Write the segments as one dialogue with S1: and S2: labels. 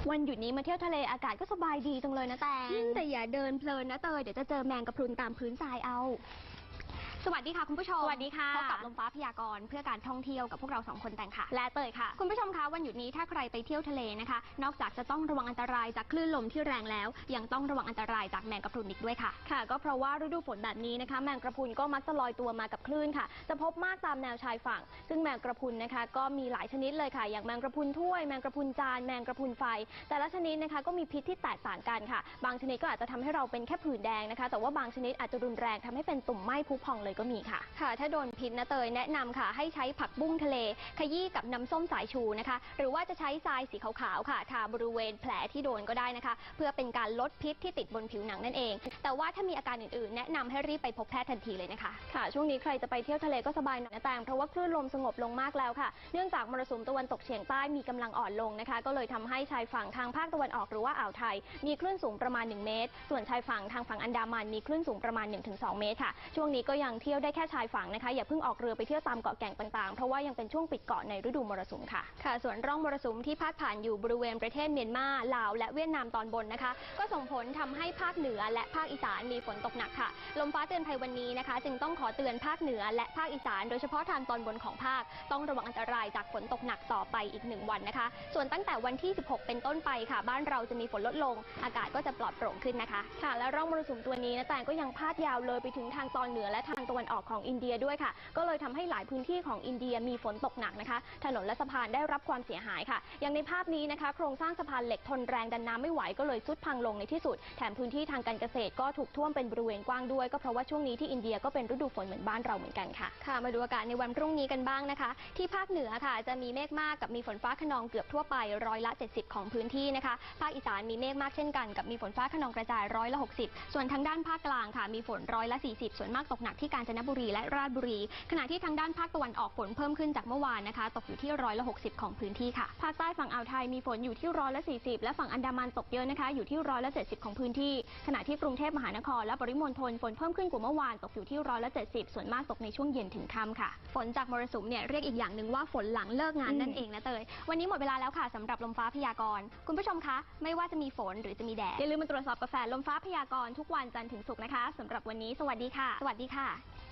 S1: วันหยุดนี้มาเที่ยวทะเลอากาศก็สบายดีจังเลยนะแต่อย่าเดินเพลินนะเตยเดี๋ยวจะเจอแมงกะพรุนตามพื้นทรายเอาสวัสดีค่ะคุณผู้ชม
S2: สวัสดีค่ะ
S1: พบกับลมฟ้าพยากรณ์เพื่อการท่องเที่ยวกับพวกเรา2คนแต่งค่ะ
S2: และเตยค่ะ
S1: คุณผู้ชมคะวันหยุดนี้ถ้าใครไปเที่ยวทะเลนะคะนอกจากจะต้องระวังอันตรายจากคลื่นลมที่แรงแล้วยังต้องระวังอันตรายจากแมงกะพรุนอีกด้วยค่ะก็เพราะว่าฤดูฝนแบบนี้นะคะแมงกะพรุนก็มักจะลอยตัวมากับคลื่นค่ะจะพบมากตามแนวชายฝั่งซึ่งแมงกะพรุนนะคะก็มีหลายชนิดเลยค่ะอย่างแมงกะพรุนถ้วยแมงกะพรุนจานแมงกะพรุนไฟแต่ละชนิดนะคะก็มีพิษที่แตกต่างกันค่ะบางชนิดก็อาจจะทำให้เราเป็นแค่ผื่นแดงนะคะแต่ว่าบางชนิดอาจจะรุนแรงทำให้เป็นตุ่มไหม้พุพองเลยก็มีค่ะถ้าโดนพิษนะเตยแนะนำค่ะให้ใช้ผักบุ้งทะเลขยี้กับน้ำส้มสายชูนะคะหรือว่าจะใช้ทรายสีขาวๆค่ะทาบริเวณแผลที่โดนก็ได้นะคะเพื่อเป็นการลดพิษที่ติดบนผิวหนังนั่นเองแต่ว่าถ้ามีอาการอื่นๆแนะนำให้รีบไปพบแพทย์ทันทีเลยนะคะช่วงนี้ใครจะไปเที่ยวทะเลก็สบายหน่อยนะแต่เพราะว่าคลื่นลมสงบลงมากแล้วค่ะเนื่องจากมรสุมตะวันตกเฉียงใต้มีกำลังอ่อนลงนะคะก็เลยทำให้ชายฝั่งทางภาคตะวันออกหรือว่าอ่าวไทยมีคลื่นสูงประมาณ1 เมตรส่วนชายฝั่งทางฝั่งอันดามันมีคลื่นสูงประมาณ 1-2 เมตรค่ะช่วงนี้ก็ยังเที่ยวได้แค่ชายฝั่งนะคะอย่าเพิ่งออกเรือไปเที่ยวตามเกาะแก่งต่างๆเพราะว่ายังเป็นช่วงปิดเกาะในฤดูมรสุมค่ะส่วนร่องมรสุมที่พาดผ่านอยู่บริเวณประเทศเมียนมาลาวและเวียดนามตอนบนนะคะก็ส่งผลทำให้ภาคเหนือและภาคอีสานมีฝนตกหนักค่ะลมฟ้าเตือนภัยวันนี้นะคะจึงต้องขอเตือนภาคเหนือและภาคอีสานโดยเฉพาะทางตอนบนของภาคต้องระวังอันตรายจากฝนตกหนักต่อไปอีก1 วันนะคะส่วนตั้งแต่วันที่16เป็นต้นไปค่ะบ้านเราจะมีฝนลดลงอากาศก็จะปลอดโปร่งขึ้นนะคะและร่องมรสุมตัวนี้นะแต่ก็ยังพาดยาวเลยไปถึงทางตอนเหนือและทางตะวันออกของอินเดียด้วยค่ะก็เลยทำให้หลายพื้นที่ของอินเดียมีฝนตกหนักนะคะถนนและสะพานได้รับความเสียหายค่ะอย่างในภาพนี้นะคะโครงสร้างสะพานเหล็กทนแรงดันน้ำไม่ไหวก็เลยทรุดพังลงในที่สุดแถมพื้นที่ทางการเกษตรก็ถูกท่วมเป็นบริเวณกว้างด้วยก็เพราะว่าช่วงนี้ที่อินเดียก็เป็นฤดูฝนเหมือนบ้านเราเหมือนกันค่ะมาดูอากาศในวันพรุ่งนี้กันบ้างนะคะที่ภาคเหนือค่ะจะมีเมฆมากกับมีฝนฟ้าคะนองเกือบทั่วไป70%ของพื้นที่นะคะภาคอีสานมีเมฆมากเช่นกันกับมีฝนฟ้าคะนองกระจาย60%ส่วนทางด้านภาคกลางค่ะมีฝน40%ส่วนมากตกหนักที่กาญจนบุรีและราชบุรีขณะที่ทางด้านภาคตะวันออกฝนเพิ่มขึ้นจากเมื่อวานนะคะตกอยู่ที่60%ของพื้นที่ค่ะภาคใต้ฝั่งอ่าวไทยมีฝนอยู่ที่40%และฝั่งอันดามันตกเยอะนะคะอยู่ที่70%ของพื้นที่ขณะที่กรุงเทพมหานครและปริมณฑลฝนเพิ่มขึ้นกว่าเมื่อวานตกอยู่ที่70%ส่วนมากตกในช่วงเย็นถึงค่ำค่ะฝนจากมรสุมเนี่ยเรียกอีกอย่างหนึ่งว่าฝนหลังเลิกงานนั่นเองนะเตยวันนี้หมดเวลาแล้วค่ะสำหรับลมฟ้าพยากรณ์คุณผู้ชมคะไม่ว่าจะมีฝนหรือจะมีแดดอย่าลืมมาตรวจสอบกาแฟลมฟ้าพยากรณ์ทุกวันจันทร์ถึงศุกร์นะคะสำหรับวันนี้สวัสดีค่ะสวัสดีค่ะ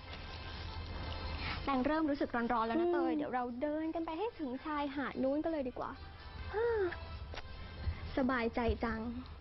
S1: แต่เริ่มรู้สึกร้อนๆแล้วนะเตยเดี๋ยวเราเดินกันไปให้ถึงชายหาดนู้นกันเลยดีกว่าสบายใจจัง